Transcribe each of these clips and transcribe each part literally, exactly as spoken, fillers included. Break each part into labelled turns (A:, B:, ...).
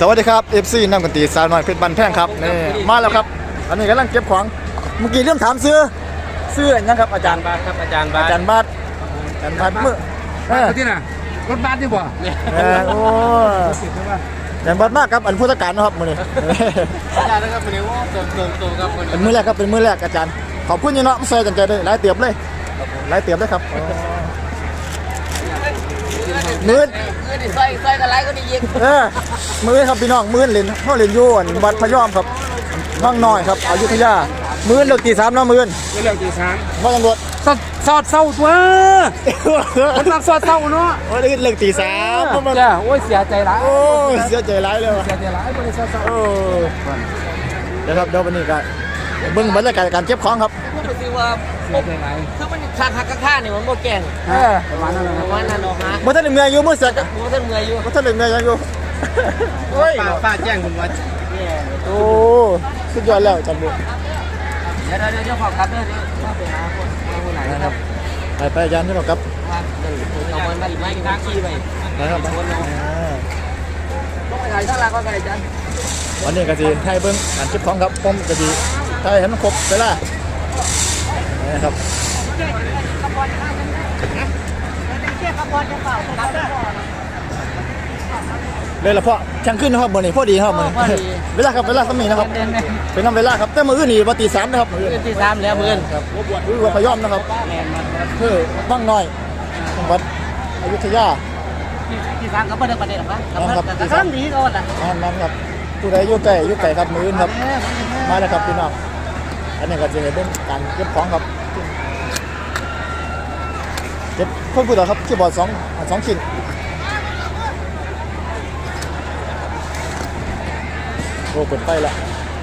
A: วัสดีครับ เอฟ ซี น้ำกันตีสาวน้อยเพชรบันแท่งครับนี่มาแล้วครับอันนี้กำลังเก็บของเมื่อกี้เรื่องถามซื้อซื้ออะไรนะครับอาจารย์
B: บาทครับอาจารย์บาท
A: อาจารย์บาทอาจารย์บาทเมื่อเออ
C: ที่น่ะรถบัสดีกว่า
A: เออโอ้อาจารย์บาทมากครับอันผู้จัดการนะครับมือนี้
B: อาจารย์นะครับวันนี้ว่าโตโตโตครับวัน
A: เป็น
B: นี้
A: มือแรกครับเป็นมือแรกอาจารย์ขอบคุณยี่เนาะไม่ใส่กันใจเลยหลายเตียบเลยหลายเตียบเลยครับมือ
B: เงินใส่ใส่กันไรก็ได้ยิง
A: เออมือครับพี่น้องมือเล่นเขาเล่นอยู่อันวัดพะยอมครับน้องน้อยครับอยุธยามือเลือกตีสามเนาะมือ
C: เรื่องที่สาม
A: ว่าตำรวจ
C: สอดสอดเศร้าตัวมันมักสอดเศร้าเนาะ
A: โอ้ยเลือกตีสามมัน
C: จ้าโอ้ยเสียใจร้าย
A: โอ้ยเสียใจร้ายเลยว่ะ
C: เสียใจร้ายบริษัทเศร้า
A: โอ้เดี๋ยวครับเดี๋ยววันนี้ก็เบิ่งบรรยากาศการเก็บของครับ
B: พูดไปสิว่า
C: เสียใจร้าย
B: คือมันคักคักข้าเนี่ยมันโมแกง
A: เออ
C: ประมาณนั้น
B: ประมาณนั้นเนาะฮะ
A: บ่ทันได้เมื่อยอยู่มื้อเสร็จ
B: โอ้ท่านเมื่อยอยู่
A: บ่ทันได้เมื่อยยังอยู่โอ้ย
B: ป้าป้าแจ้งคุณว่าเนี่ย
A: โอ้สุดยอดแล้วจันบุ
B: เดี๋ยวเดี๋ยวเดี๋ยวขอกลับเด้อเดี๋ยวไปหาคนคนไหนนะครับ
A: ไปไปยันที่เราครับ
B: ว่าเดี๋ยวเอามันมาอีกไหมทางขี้ไป
A: นะครับ
B: คนเราต้องไปถ่ายข้างล่างก็ได้อาจารย์
A: วันนี้ก็สิให้เบิ่งการเก็บของครับผมก็สิให้ให้มันครบเวลานะครับเลยละเพาะช่างขึ้นนะครับมื้อนี้พอดีครับมื้อนี้เวลาครับเวลาสมีนะครับเป็นนำเวลาครับแต่มื้ออื่นนี่บ่ตีสามนะครับมื้ออื่น
B: เงินที่สามแล้วเงิน
A: ครับคือวัดพยอมนะครับคือบ้างน้อยจังหวัดอยุธยา
B: ที่สามก็ไม่ได้ประเด็นหรอกนะแต่ครั้งนี้ก็ว่า
A: อันนั้นครับผู้ใดอยู่ใกล้อยู่ไกลครับมื้ออื่นครับมาแล้วครับพี่น้องอันนี้ก็จะเป็นการเก็บของครับเก็บเพิ่มผู้ต่อครับคีย์บอร์ดสองสองชิ้นโอ้เปิดไฟละ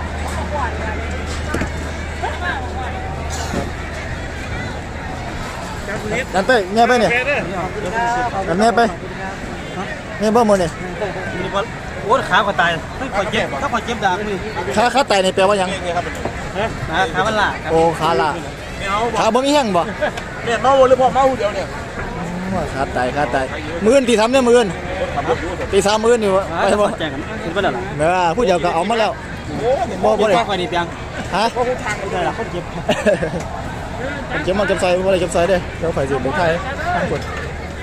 A: นั่นไปเนี่ยไปเนี่ยนั่นเนี่ยไปเนี่ยบ่หมดเนี่ย
B: โอ้ขาก็ตายถ้าคอยเจ็บถ้าคอยเจ็บดังนี่
A: ขาขาไตนี่แปลว่าหยัง
B: ขามันล่ะ
A: โอ้ขาละขาบ่มีแห้งบ่
C: เนี่ยเมาหรือพอเมาเดียวเนี่ย
A: ขาไตขาไตมื้อนตีทำเนี่ยมื้อนตีสามมื้อนอยู่ไปบ่
B: แจ้งกันคุณเป็นอะไร
A: เออผู้เดียวก็เอามาแล้วบ่บ่ได้
B: ข้อคอยนี่เพียง
A: ฮะ
C: เขาทางไม่ได้หรอกเขาเจ็บ
A: ผมเก็บมาเก็บใส่บ่ได้เก็บใส่เด้เดี๋ยวข่อยสิไปถ่ายทางคน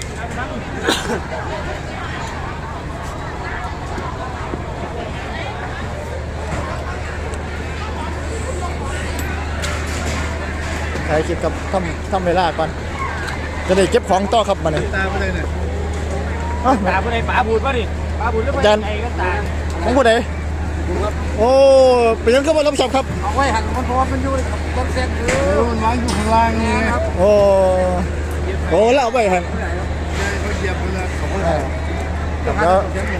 A: ถ่ายคลิปกับทำทำเวลาก่อนจะได้เก็บของต่อครับมาเนี่ย
C: ตาไม่ได้เนี่ย
B: ตาผู้ใดป๋าบูดป่ะดิป๋าบูดหรือ
A: จัน
B: ไอ้ก็ตา
A: ของผู้ใดโอ้เป็นยังก็มารับผิดชอบครับ
B: เอาไว้หันมันเพราะว่ามันอยู่ต้นเส้นคือ
C: มันวางอยู่ข้างล่างนี่ครับ
A: โอ้โอ้แล้วเอาไปหัน
C: เขาเหยียบไปเลยเขาก็
A: แล้ว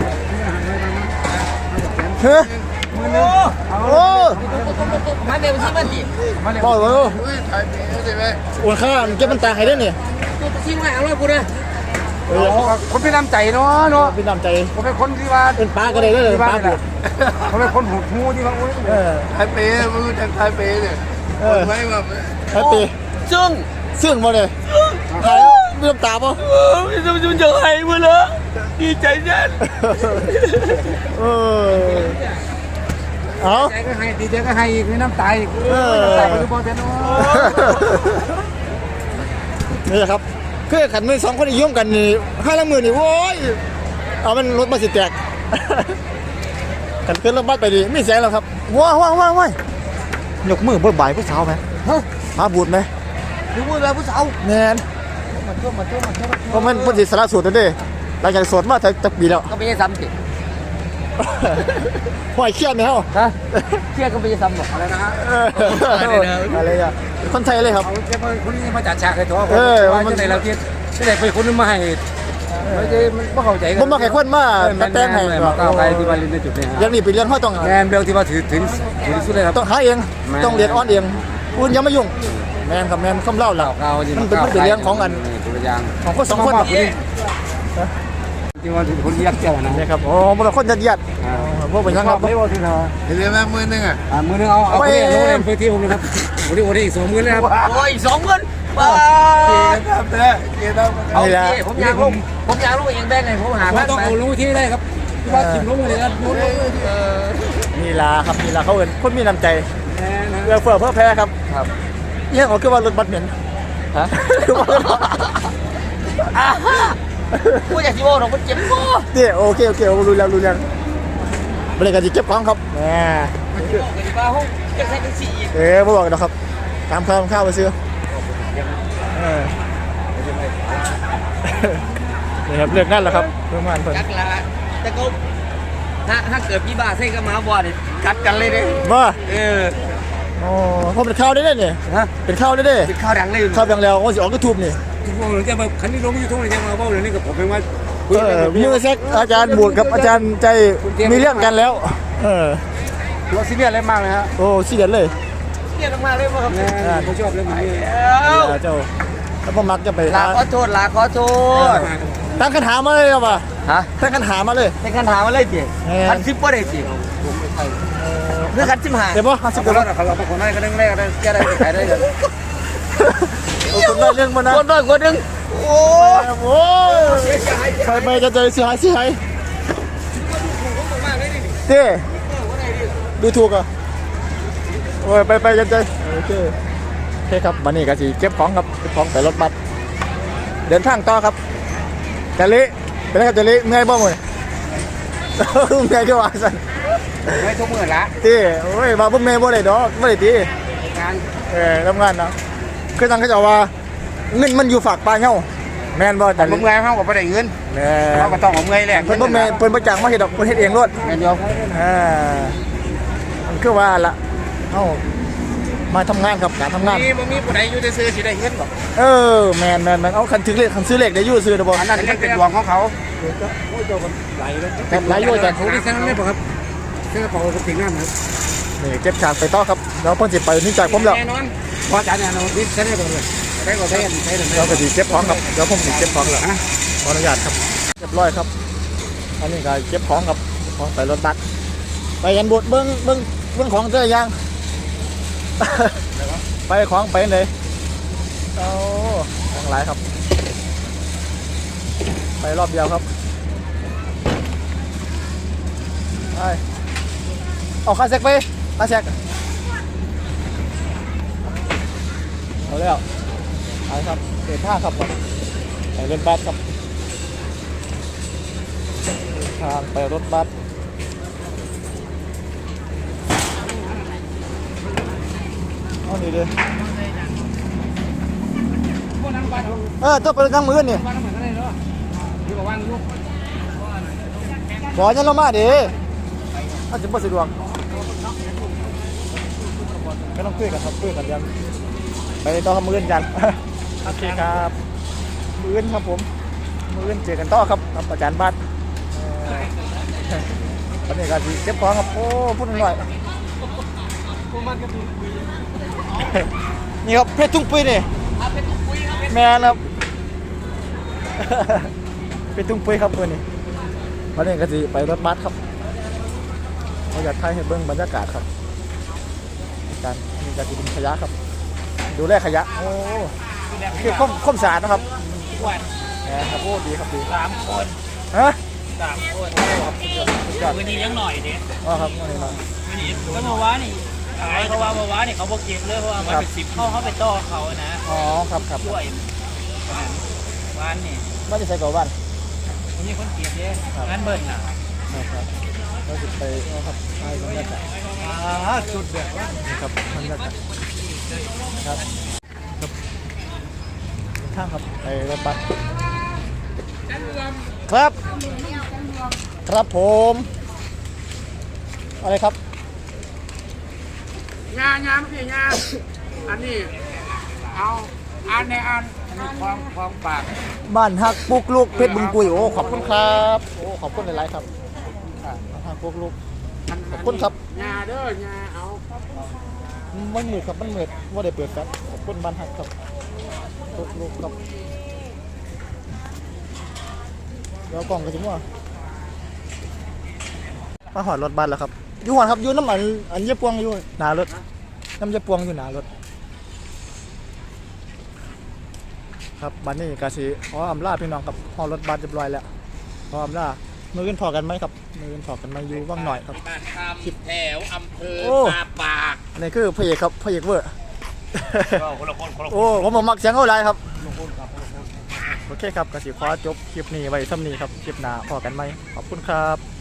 A: เฮ้ยโอ้
B: มาเดี๋ยวชิมันดิ
A: บอกเลย
C: อุ้ยถ่ายเมียใช่ไหม
A: โอ้ข้าเก็บมันตาให้ได้เนี่ย
B: ชิมไว้เอาไว้กูนะ
A: เออ
C: คนเป็นน้ำใจเนาะเนาะ
A: เป็นน้ำใจ
C: ผมเป็นคนที่ว่า
A: เป็นปลาก็ได้เลย
C: ที่
A: ป
C: บ้า
A: ลาน บุ
C: น่ะเขาเป็นคนหูหูที่ว่าโอ้ย
A: เออ
C: ถ่ายเปย์มือจังถ่ายเปย์เนี่ย
A: เออ
C: ไม่แบบ
A: แฮปปี้
B: ซึ่ง
A: ซึ่งมาเลยหายเริ่มตาป่ะ
B: จะจะจะให้มึงเลยดีใจจัง
A: เออเอา
C: ใจก็ให้ดีใจก็ให้อีกมีน้ำตาอีก
A: เออ
C: น้ำตาไปทุกคนเนาะ
A: นี่แหละครับคือขันมือสองคนยุ่งกันนี่ห้าละหมื่นนี่โว้ยเอามันรถมาสิแตกขันขึ้นรถบัสไปดิไม่เสียแล้วครับว้าวว้าวว้าวว้าวยกมือเบิกบ่ายผู้สาวไหมมาบูดไหม
B: ดูมือแบบผู้สาว
A: แมน
B: มาช่วยมาช่วยมาช่วย
A: เพราะมันพอดีสารสูตรแล้วเด้หลังจากสวดมาจะจะปีแล้ว
B: ก็ไม่ใช่ซ้ำสิ
A: ห่วยเครียดไหมเฮา
B: ฮะเที่ยก็ไม่ใช่ซ้ำหรอกอะไรนะฮะ
A: อะไรอ่ะคนไทยเลยครับ
C: เอาเจ้าคนนี้มาจัดฉากให้ตัวผม
A: เออ
C: ว่าจะไหนเราเทียบจะไหนไปคนนึงมาให้ไม่ใช่มันไม่เข้าใจกัน
A: ผมมาแข่งคนมาตัดแต่งให้
C: มาก้าวไกลที่ว่าเรียนในจุดนี้
A: อย่างนี้ไปเรียนเขาต้อง
C: แมนเบลที่ว่าถือถึงถือที่สุดเลยครับ
A: ต้องหาเองต้องเรียนออนเองคุณอย่ามายุ่งแมนกับแมนคำเล่าหลัก
C: ก้าว
A: มันเป็นมันเป็นเรื่องของกัน
C: ตัวอย่าง
A: ของคนสองคน
C: ที่ว่าคนยักษ์เจ้านะ
A: นี่ครับโอ้บางคนยัดยัดพวกเป็นยังครับ
C: ไม่ว่าที่เธอเห็นไหมมือนึงอ่ะมือนึงเอาเอาไปเล่นไปที่ผมนะครับวันนี้วันนี้อีกสองมือเลยครับ
B: โอ้ยสองเงินบ้า
C: เกียร์ครับเด้อเกียร์ครับ
B: เอาสิผมอยากลงผมอยากลงเองแบงไงผมหา
C: ว่าต้องเอาลงที่ได้ครับที่ว่าทิมลงเลยครับลงลง
A: ลาครับนี่ลาเขาเอินคนมีน้ำใจ
C: แน่นะ
A: เอื้อเฟื้อเพื่อแพ้ครับ
B: ครับ
A: เยี่ยงของคือว่ารถบัสเหม็น
B: ฮะ
A: คือว่ารถบัส
B: กูอยากสิบอกเราคนเจ็บคอ
A: เตี้ยโอเคโอเครู้แล้วรู้แล้วบริการจะเก็บของครับแหม
B: บอกกันดีว่าห้องจะใช้กันสี่อีก
A: เอ๊ะไม่บอกนะครับตามข้าวข้าวไปซื้อเออนี่ครับเลือกนั่นแหละครับเพื่อนมันเพื่อน
B: กัดละแต่ก็ถ้าถ้าเกิดพี่บ้าใส่กับหมาบอดกัดกันเลยเด้
A: ว่า
B: เออ
A: อ๋อเพราะเป็นข้าวได้เนี่ย
B: ฮะ
A: เป็นข้าวได้เด้
B: เป็นข้าวดังเลย
A: ข้าวอย่างแล้วโอ้สิออกยูทูบนี่
C: ทุกคนจะมาคันนี้ลงยูทูบเลยจะมาเบ้าเดี๋ยวนี้กับผมเป็นว่า
A: เออมือเซ็กอาจารย์บวชกับอาจารย์ใจมีเรื่องกันแล้วเออ
C: เราซีเรียสอะไรมากเลยฮะ
A: โอ้เสียดเลย
B: เรียกออกมาเลยว่าครับ
C: แน่ผมชอบเรื่องนี้
A: เออเจ้าแล้วพ่อมักจะไป
B: ลาขอโทษลาขอโทษ
A: ตั้งคำถามมาเลยครับว่ะ
B: ฮะ
A: ตั้งคำถามมาเลย
B: เป็นคันถามอะไรจีคันซิปบ่ได้จีหรือคันซิมหา
A: เดี๋ยวบ่ห้าสิบ
C: เขา
A: เดี๋ยว
C: เรา
A: บ่
C: เขาเราเป็นคนได้ก็เรื่องแรกได้แก้ได้ขายได้เลย
A: โอ้คนได้เรื่องมานะ
B: คนด้วยคนหนึงโอ้
A: โอ้ยไปไปจะใจเสียหายเสียหายเต้ดูถูกอ่ะโอ้ยไปไปจะใจโอเคโอเคครับวันนี้ก็สิเก็บของครับเก็บของใส่รถบัสเดินทางต่อครับจะเละเป็นไงครับจะเละเมื่อยบ้างเลยเมื่อยก็ว่าสั่น
C: ไม่ทุกมื่อละ
A: ตีโอ้ยมาพวกเมย์บ่ได้ดอกบ่ได้ตี
C: งาน
A: เออทำงานเนาะคือทางเขาจะว่าเงินมันอยู่ฝากปลายเงาแม่นบ่
C: แต่
A: แต่
C: ผมงานเขาก็ไม่ได้เงิน
A: แม่
C: เขาก็ต้องเอาเงยแหละ
A: เพิ่นบ่แม่เพิ่นบ่จ้างมาเฮ็ดดอกเพิ่นเฮ็ดเองโลด
C: เงินเดียว
A: อ่ามันคือว่าละเอ้ามาทำงานครับการทำงาน
C: นี่มันมีผู้ใดอยู่ในซื้อสิได้เงินบ่
A: เออแม่นแม่นแม่นเอาคันถึงเลขคันซื้อเลขได้อยู่ซื้อได้บ่
C: อันนั้นเป็นดวงของเขา
A: หลายอยู่อาจารย์
C: เขาที่แซงไม่บอกครับแค่กระเป๋าก็ถึงงานครับ
A: นี่เก็บฉากไปต่อครับแล้วเพิ่นสิไปนี่จากผมแล้ว
C: แน่นอนพอจ่ายแน่นอนนี่ใช้ได้ก่อนเลยได้ก่อนใช้ใช้ได้
A: เราก็สิเก็บของครับเดี๋ยวผมสิเก็บของแล้ว
C: ฮะ
A: ขออนุญาตครับเรียบร้อยครับ อันนี้ก็เก็บของครับของใส่รถบัสไปยันบดเบิ้งเบิ้งเบิ้งของเจอยัง ไปของไปเลยโอ้ของหลายครับ ไปรอบเดียวครับไปเอาคาเซ็กไปคาเซ็กเอาแล้วเอาครับเดินทางครับไปรถบัสครับทางไปรถบัสเอานี่เลยเออต้องไปนั่งมือนี่บอกยันเรามาดิอาจจะไม่สะดวกไม่ต้องคุยกันครับคุยกันยังไปต่อมืออื่นกัน โอเคครับมืออื่นครับผมมืออื่นเจอกันต่อครับกับอาจารย์บัสตอนนี้ก็สิเก็บของครับโอ้พูดหน่อยนี่ครับเพชรทุ่งปุ้ยนี่แม่ครับ เพชรทุ่งปุ้ยครับเพื่อนนี่วันนี้ก็สิไปรถบัสครับเราอยากถ่ายให้เบิ้งบรรยากาศครับการมีการดินขยะครับดูแลขยะโอ้คือข้อมข้อมสะอาดนะครับครับโอ้ดีครับดี
B: สามคน
A: ฮะ
B: สามคน
A: ครับสุดยอดสุดยอด
B: วันนี้ยังหน่อยเด้
A: อ๋อครับวันนี้เนาะ
B: วันนี้ก็เมื่อวานนี่ขายเพราะว่าเมื่อวานนี่เขาบอกเก็บเลยเพราะว่ามันเป็นสิบเข้าเข้าไปต่อเขานะ
A: อ๋อครับครับ
B: ช่วยวานนี่
A: บ้านจะใส่ก่อบ้าน
B: วันนี้คนเก็บเด้งานเบิ้ลน่ะ
A: ครับเราจะไปเอาครับไปบรรยากาศ
B: อ่าสุดแบบว่า
A: ครับบรรยากาศครับครับข้างครับไปรถบัสครับครับผมอะไรครับ
C: งานงานพี่งานอันนี้เอาอันในอันอันนี้ความความปาก
A: บ้านฮักปุกลูกเพชรบึงกุยโอ้ขอบคุณครับโอ้ขอบคุณหลายๆครับบ้านฮักปุกลูกขอบคุณครับ
C: งาเด้องาเอา
A: มันมืดครับมันมืดว่าได้เปิดครับขอบคุณบ้านฮักครับปุกลูกครับเดี๋ยวกล่องกันจิ๋วมาหอดรถบัสแล้วครับอยู่หอดครับอยู่น้ำอันอันเย็บพวงอยู่หนารถน้ำเย็บพวงอยู่หนารถครับบัดนี้กาสิขออำลาพี่น้องครับหอดรถบัสเรียบร้อยแล้วขออำลามือกันพอกันไหมครับมือกันพอกันไหมอยู่ว่างหน่อยครับ
C: บ้านคำแถวอำเภอ
A: โอ้
C: ตาปาก
A: อันนี้คือพระเอกครับพระเอกเวอร์
B: คนละคนคนละคน
A: โอ้ผมบอกมักเสียงเขาหลายครับโอเคครับกสิขอจบคลิปนี้ไว้ซ้ำนี้ครับคลิปหน้าพอกันไหมขอบคุณครับ